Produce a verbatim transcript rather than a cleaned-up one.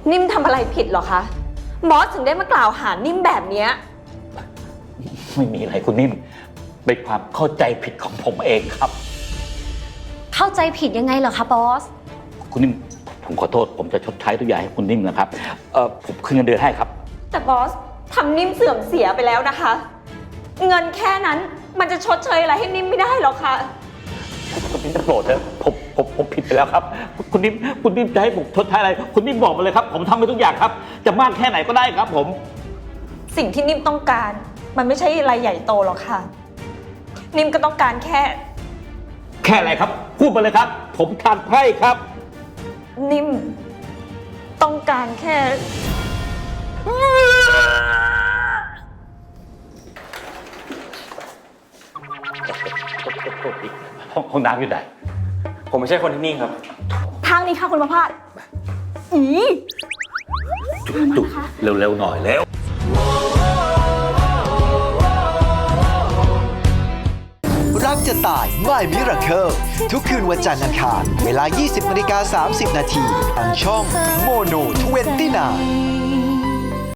นิ่มทำอะไรผิดเหรอคะบอสถึงได้มากล่าวหานิ่มแบบเนี้ยไม่มีอะไรคุณนิ่มเป็นความเข้าใจผิดของผมเองครับเข้าใจผิดยังไงเหรอคะบอสคุณนิ่มผมขอโทษผมจะชดใช้ทุกอย่างให้คุณนิ่มนะครับเออผมคืนเงินเดือนให้ครับแต่บอสทำนิ่มเสื่อมเสียไปแล้วนะคะเงินแค่นั้นมันจะชดเชยอะไรให้นิ่มไม่ได้หรอกค่ะคุณนิ่มจะโปรดเถอะผมผมผมผิดไปแล้วครับคุณนิ่มคุณนิ่มจะให้ผมชดใช้อะไรคุณนิ่มบอกมาเลยครับผมทำไปทุกอย่างครับจะมากแค่ไหนก็ได้ครับผมสิ่งที่นิ่มต้องการมันไม่ใช่อะไรใหญ่โตหรอกค่ะนิ่มก็ต้องการแค่แค่อะไรครับพูดมาเลยครับผมทานไพ่ครับนิ่มต้องการแค่ห้องห้องน้ำอยู่ไหนผมไม่ใช่คนที่นี่ครับทางนี้ค่ะคุณประภาสอีจุดเร็วๆหน่อยแล้วรักจะตายไม่มิราเคิลทุกคืนวันจันทร์อังคารเวลา ยี่สิบนาฬิกาสามสิบนาทีทางช่องโมโนยี่สิบเก้า